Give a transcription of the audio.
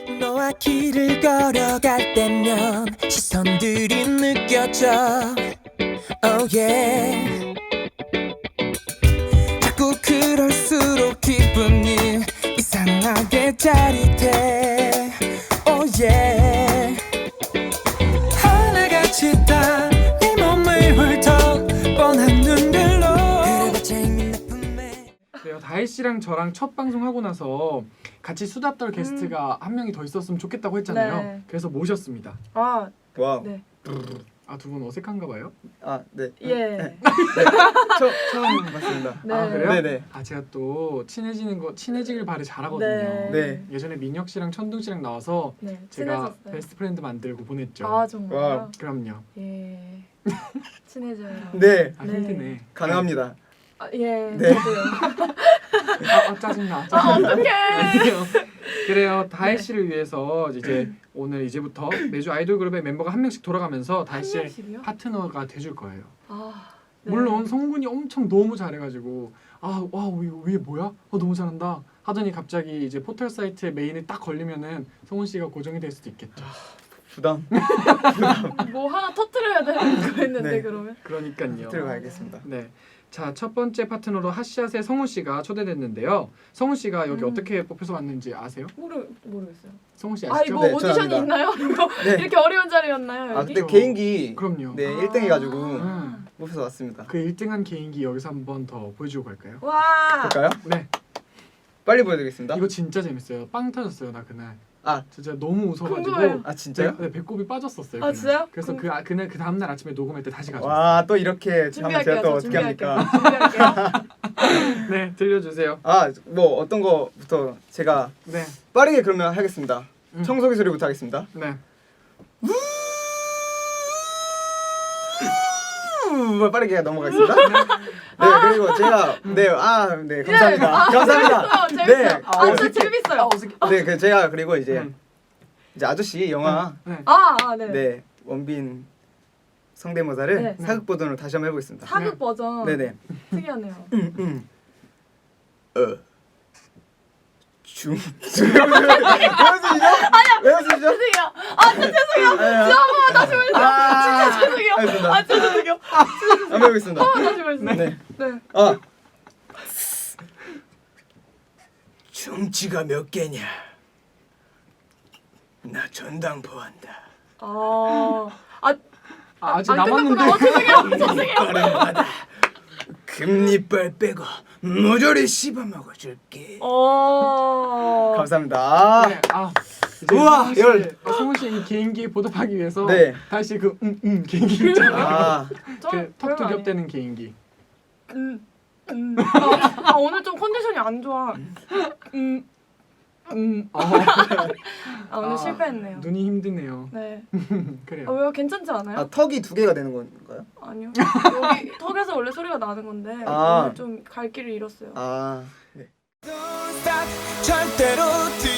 너와 길을 걸어갈 때면 시선들이 느껴져 Oh yeah 자꾸 그럴수록 기분이 이상하게 짜릿해 Oh yeah 하나같이 다 네 몸을 훑어 뻔한 눈들로 그래봤자 이미 내 품에. 그래요. 다혜 씨랑 저랑 첫 방송 하고 나서 같이 수다 떨 게스트가 한 명이 더 있었으면 좋겠다고 했잖아요. 네. 그래서 모셨습니다. 아, 와우. 네. 아, 두 분 어색한가 봐요? 아, 네. 예. 네. 처음 봤습니다. 네. 아, 그래요? 네네. 아, 제가 또 친해지길 바래 잘하거든요. 네. 네. 예전에 민혁 씨랑 천둥 씨랑 나와서 네. 제가 친해졌어요. 베스트 프렌드 만들고 보냈죠. 아, 정말요? 와우. 그럼요. 예. 친해져요. 네. 아, 네. 힘드네. 가능합니다. 아, 예. 네. 저도요. 짜증나. 아, 어떡해. 아니요. 그래요. 다혜 네. 씨를 위해서 이제 오늘 이제부터 매주 아이돌 그룹의 멤버가 한 명씩 돌아가면서 다혜 한 씨의 명씩이요? 파트너가 돼줄 거예요. 아, 네. 물론 성군이 엄청 너무 잘해가지고 위에 뭐야? 너무 잘한다 하더니 갑자기 이제 포털 사이트 메인에 딱 걸리면은 성훈 씨가 고정이 될 수도 있겠죠. 부담. 뭐 하나 터뜨려야 되는 거였는데 네. 그러면? 그러니까요. 들어가겠습니다. 네. 자, 첫 번째 파트너로 핫샷의 성훈 씨가 초대됐는데요. 성훈 씨가 여기 어떻게 뽑혀서 왔는지 아세요? 모르겠어요. 성훈 씨 아, 아시죠? 이거 네, 오디션이 저는 있나요? 이거 네. 이렇게 어려운 자리였나요, 아, 여기? 그때 개인기 그럼요. 네, 아. 1등 해가지고 음. 뽑혀서 왔습니다. 그 1등한 개인기 여기서 한 번 더 보여주고 갈까요? 와. 볼까요? 네. 빨리 보여드리겠습니다. 이거 진짜 재밌어요. 빵 터졌어요, 나 그날. 아. 진짜 너무 웃어가지고. 궁금해요. 아, 진짜요? 네, 배꼽이 빠졌었어요. 아, 그날. 진짜요? 그래서 그날 그 다음 날 아침에 녹음할 때 다시 가져왔어요. 와, 또 이렇게 하면 제가 또 어떻게 합니까? 준비할게요. 네, 들려주세요. 아, 뭐 어떤 거부터 제가 네, 빠르게 그러면 하겠습니다. 음. 청소기 소리부터 하겠습니다. 네. 빠르게 넘어가겠습니다. 네, 그리고 제가 네, 감사합니다. 감사합니다. 재밌어요. 네, 아, 진짜 재밌어요. 네, 그 제가 그리고 이제 음. 아저씨 영화 네. 네. 네, 원빈 성대모사를 네. 사극 버전으로 다시 한번 해보겠습니다. 사극 버전. 네네. 특이하네요. 중. 외우시죠? 아니야. 외우시죠? 죄송해요. 아, 진짜 죄송해요. 진짜 한 번만 다시 보여주세요. 진짜 죄송해요. 알겠습니다. 아, 진짜 죄송해요. 한번 해보겠습니다. 한 번만 다시 보여주세요. 네. 네. 아. 중치가 몇 개냐? 나 전당포한다. 아직 안 남았는데. 끝났구나. 죄송해요. 죄송해요. 이빨은 받아. 금리빨 빼고 모조리 씹어 먹어줄게. 감사합니다. 아, 네, 우와, 열. 성훈 씨 이 개인기 보답하기 위해서 네. 다시 그 개인기 있잖아요. 아, 그턱 두겹대는 개인기. 오늘 좀 컨디션이 안 좋아. 오늘 실패했네요. 눈이 힘드네요. 네. 그래요. 왜요? 괜찮지 않아요? 아 턱이 두 개가 되는 건가요? 아니요. 여기 턱에서 원래 소리가 나는 건데 아. 오늘 좀 갈 길을 잃었어요. 아, 네. Don't stop, 절대로